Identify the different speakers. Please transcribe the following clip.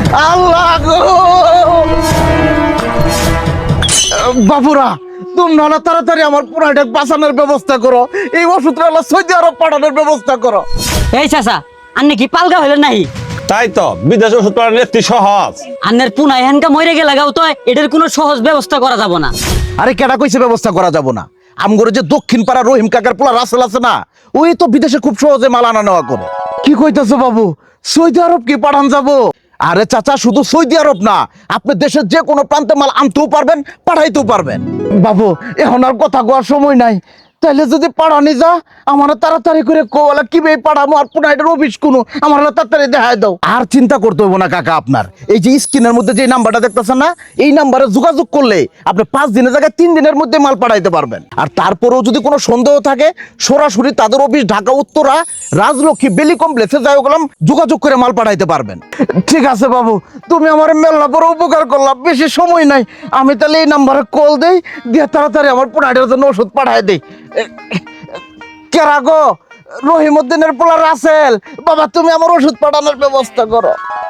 Speaker 1: আল্লাহ গো বাবুরা, তোমরা না তাড়াতাড়ি আমার পুরাটা বাঁচানোর ব্যবস্থা করো, এই ওষুধটা হলো সৌদি আরব পাঠানোর ব্যবস্থা করো।
Speaker 2: এই চাচা, আন্নে কি পালগা হইলেন নাই?
Speaker 3: তাই তো বিদেশে ওষুধ পাঠানো একটি সহজ।
Speaker 2: আন্নের পুনা এহানকা মরে গেলে গাও তো এটার কোনো সহজ ব্যবস্থা করা যাব না।
Speaker 1: আরে কেডা কইছে ব্যবস্থা করা যাব না? আমগরে যে দক্ষিণ পাড়া রহিম কাকার পোলা রাসেল আছে না, ওই তো বিদেশে খুব সহজে মাল আনা নেওয়া করে। কি কইতাছো বাবু, সৌদি আরব কি পাঠান যাব? আরে চাচা, শুধু সৌদি আরব না, আপনি দেশের যে কোনো প্রান্তে মাল আনতেও পারবেন, পাঠাইতেও পারবেন। বাবু, এখন আর কথা কোয়ার সময় নাই। তাইলে যদি পাঠানি যা, আমার তাড়াতাড়ি করে কোলা কিভাবে পাঠাবো, আর পুনাইটার অফিস কোনো আমার তাড়াতাড়ি দেখায় দাও। আর চিন্তা করতে হবো না কাকা, আপনার এই যে স্ক্রিনের মধ্যে যে নাম্বারটা দেখতেছেন না, এই নাম্বারে যোগাযোগ করলে আপনি 5 দিনের জায়গায় 3 দিনের মধ্যে মাল পাঠাইতে পারবেন। আর তারপরেও যদি কোনো সন্দেহ থাকে, সরাসরি তাদের অফিস ঢাকা উত্তরা রাজলক্ষ্মী বেলি কমপ্লেক্সে যাই গেলাম, যোগাযোগ করে মাল পাঠাইতে পারবেন। ঠিক আছে বাবু, তুমি আমার মেলা বড় উপকার করলাম, বেশি সময় নাই। আমি তাহলে এই নাম্বারে কল দেই, দিয়ে তাড়াতাড়ি আমার পুনাইটার জন্য ওষুধ পাঠাই দেই। কেরা গো, রহিমউদ্দিনের পোলা রাসেল, বাবা তুমি আমার ওষুধ পাঠানোর ব্যবস্থা করো।